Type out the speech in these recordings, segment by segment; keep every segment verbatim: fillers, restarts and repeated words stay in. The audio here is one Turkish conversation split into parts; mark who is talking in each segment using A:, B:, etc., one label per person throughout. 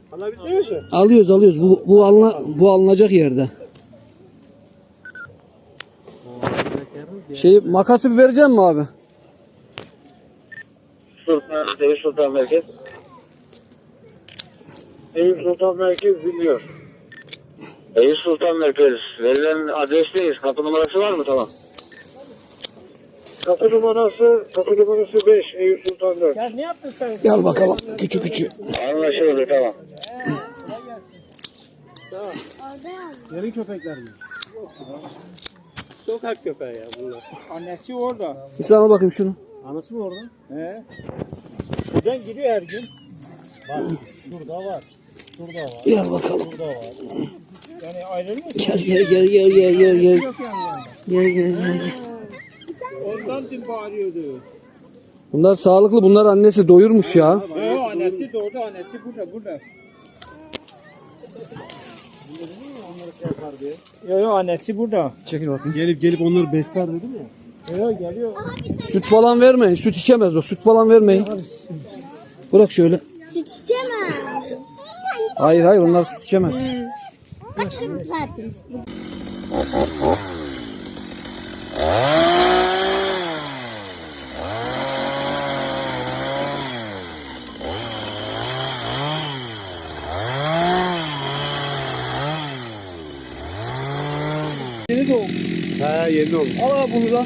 A: Alabiliyor musun?
B: Alıyoruz alıyoruz. Bu bu alına, bu alınacak yerde. Şey makası bir verecek mi abi?
A: Sultan, Eyüp Sultan Merkez. Eyüp Sultan Merkez biliyor. Eyüp Sultan Merkez. Verilen adresteyiz. Kapı numarası var mı? Tamam. Kapı numarası, kapı numarası beş. Eyüp Sultan dört.
C: Ya ne yaptın sen?
B: Gel bakalım. Küçük küçük.
A: Anlaşıldı, tamam.
C: Yerin köpekler mi?
A: Sokak köpeği ya bunlar.
C: Annesi orada.
B: Bir sana bakayım şunu.
C: Anası mı orada? He. Buradan gidiyor her gün. Bak şurada var. Şurada var.
B: Gel bakalım.
C: Şurada var. Yani ayrılmıyor.
B: Gel gel gel gel gel gel gel.
C: Yok yani yanında.
B: Gel gel gel.
C: Ondan dün bağırıyordu.
B: Bunlar sağlıklı. Bunlar annesi doyurmuş ya.
C: Yok annesi de orada. Annesi burada. Burada. Yok yok annesi burada.
B: Çekil bakayım.
D: Gelip gelip onları besler dedim ya.
C: Yok geliyor.
B: Süt falan vermeyin. Süt içemez o. Süt falan vermeyin. Bırak şöyle.
E: Süt içemez.
B: Hayır hayır onlar süt içemez.
E: Bak şimdi tatlıyız.
B: Yeni doğum.
D: He yeni oldu.
B: Al abi bunu da.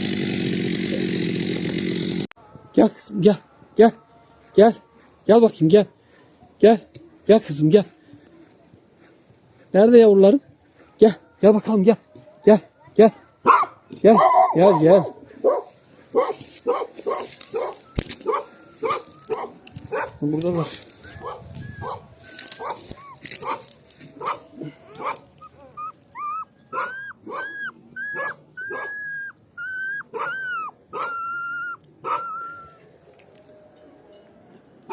B: Gel kızım gel. Gel. Gel. Gel bakayım gel. Gel. Gel kızım gel. Nerede yavrularım? Gel. Gel bakalım gel. Gel. Gel. Gel. Gel gel. Burada var.